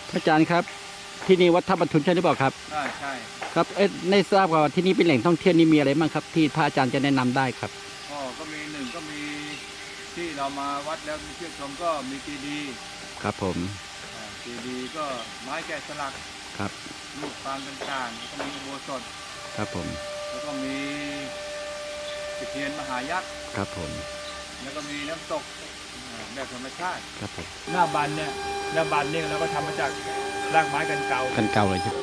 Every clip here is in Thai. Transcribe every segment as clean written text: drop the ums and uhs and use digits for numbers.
พระอาจารย์ครับที่นี่วัดท่าบรรทุนใช่หรือเปล่าครับใช่ครับในทราบว่าที่นี่เป็นแหล่งท่องเที่ยวนี่มีอะไรบ้างครับที่พระอาจารย์จะแนะนำได้ครับก็มีหนึ่งก็มีที่เรามาวัดแล้วมีเที่ยวชมก็มีเจดีย์ครับผมเจดีย์ก็ไม้แกะสลักครับรูปปางต่างๆก็มีอุโบสถครับผมแล้วก็มีตะเคียนมหายักษ์ครับผมแล้วก็มีน้ำตกแบบธรรมชาติครับผมหน้าบันเนี่ยเราก็ทำมาจากรากไม้กันเก่าเลยใช่ไหม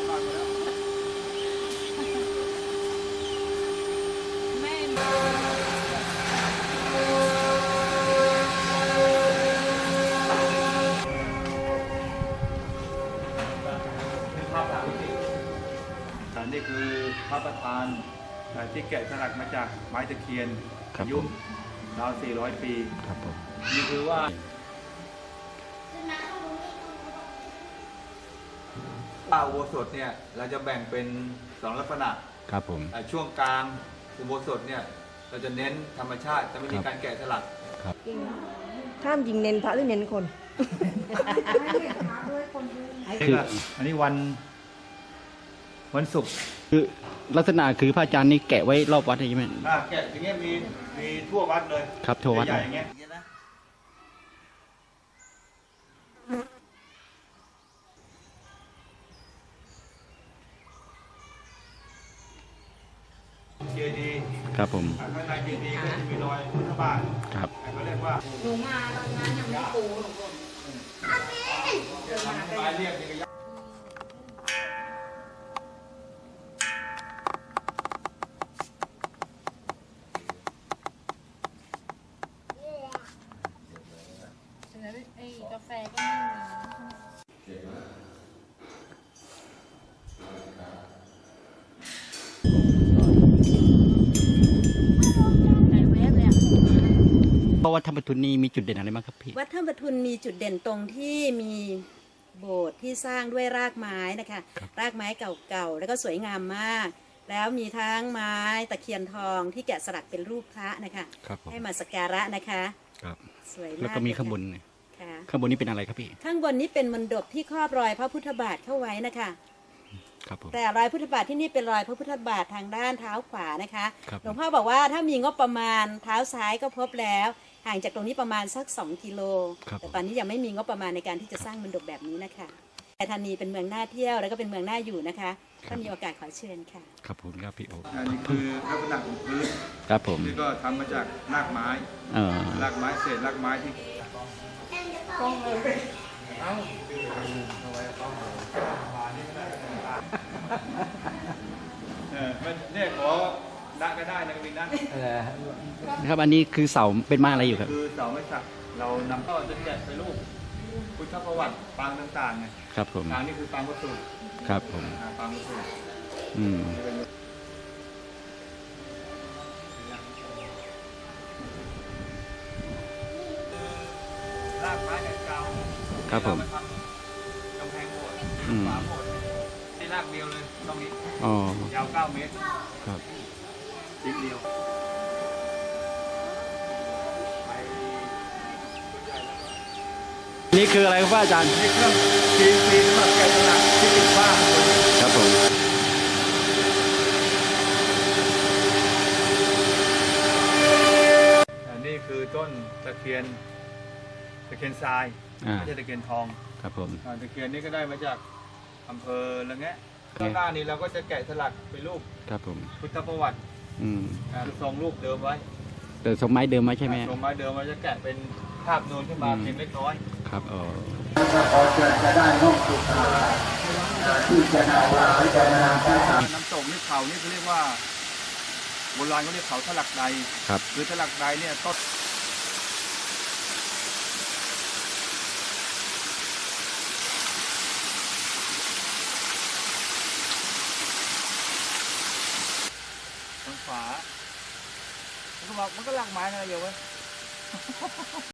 นี่คือพระประธานที่แกะสลักมาจากไม้ตะเคียนอายุราว400 ปีครับผมนี่คือว่าป่าอุโบสถเนี่ยเราจะแบ่งเป็น2ลักษณะครับผมช่วงกลางอุโบสถเนี่ยเราจะเน้นธรรมชาติจะไม่มีการแกะสลักครับห้ามยิงเน้นพระหรือเน้นคนคืออันนี้วันศุกร์คือลักษณะคือพระอาจารย์นี่แกะไว้รอบวัดใช่ไหมแกะอย่างเงี้ยมีทั่ววัดเลยครับทั่ววัดใหญ่อย่างเงี้ยเจดีย์ครับผมข้างในเจดีย์ก็จะมีรอยพุทธบาทครับเขาเรียกว่าหนูมาตอนนั้นยังไม่ปูหนูเรียกกาแฟก็ไม่เพราะวัดท่าบรรทุนนี่มีจุดเด่นอะไรบ้างครับพี่วัดท่าบรรทุนมีจุดเด่นตรงที่มีโบสถ์ที่สร้างด้วยรากไม้นะคะรากไม้เก่าๆแล้วก็สวยงามมากแล้วมีทั้งไม้ตะเคียนทองที่แกะสลักเป็นรูปพระนะคะให้มาสักการะนะคะสวยมากแล้วก็มีข้างบนข้างบนนี้เป็นอะไรครับพี่ข้างบนนี้เป็นมณฑปที่ครอบรอยพระพุทธบาทเข้าไว้นะคะแต่รอยพุทธบาทที่นี่เป็นรอยพระพุทธบาททางด้านเท้าขวานะคะหลวงพ่อบอกว่าถ้ามีงบประมาณเท้าซ้ายก็พบแล้วห่างจากตรงนี้ประมาณสัก2 กิโลแต่ตอนนี้ยังไม่มีงบประมาณในการที่จะสร้างมณฑปแบบนี้นะคะแต่ธานีเป็นเมืองน่าเที่ยวแล้วก็เป็นเมืองน่าอยู่นะคะถ้ามีโอกาสขอเชิญค่ะครับผมครับพี่โออันนี้คือลักษณะของพื้นครับผมนี่ก็ทำมาจากรากไม้เศษรากไม้ที่ต้องเลยเอาเอาไว้ต้องเนี่ยขอได้ก็ได้นะกบินนะครับอันนี้คือเสาเป็นไม้อะไรอยู่ครับคือเสาไม้สักเรานำเข้าจะแกะไปรูปพุทธประวัติปางต่างๆไงครับผมปางนี่คือปางวัตถุครับผมปางวัตถุรากไม้เก่าครับผมกำแพงโบสถ์ฝาโบสถ์ที่รากเดียวเลยตรงนี้ยาว9 เมตรครับชิ้นเดียวนี่คืออะไรครับอาจารย์นี่เครื่องทีสำหรับแกะสลักที่ติดว่าครับผมนี่คือต้นตะเคียนทรายไม่ใช่ตะเคียนทองครับผมตะเคียนนี้ก็ได้มาจากอำเภอละแงะข้างหน้านี้เราก็จะแกะสลักเป็นรูปครับผมพุทธประวัติทรงรูปเดิมไว้แต่ทรงไม้เดิมไว้ใช่ไหมทรงไม้เดิมเราจะแกะเป็นภาพนูนขึ้นมาเพียงเล็กน้อยครับขอเชิญจะได้นกสุขาที่จะนำว่าจะนำน้ำตกนี่เขานี่เขาเรียกว่าโบราณเขาเรียกเขาถลักใดครับคือถลักใดเนี่ยต้นฝามันก็หลักไม้อะไรอยู่วะ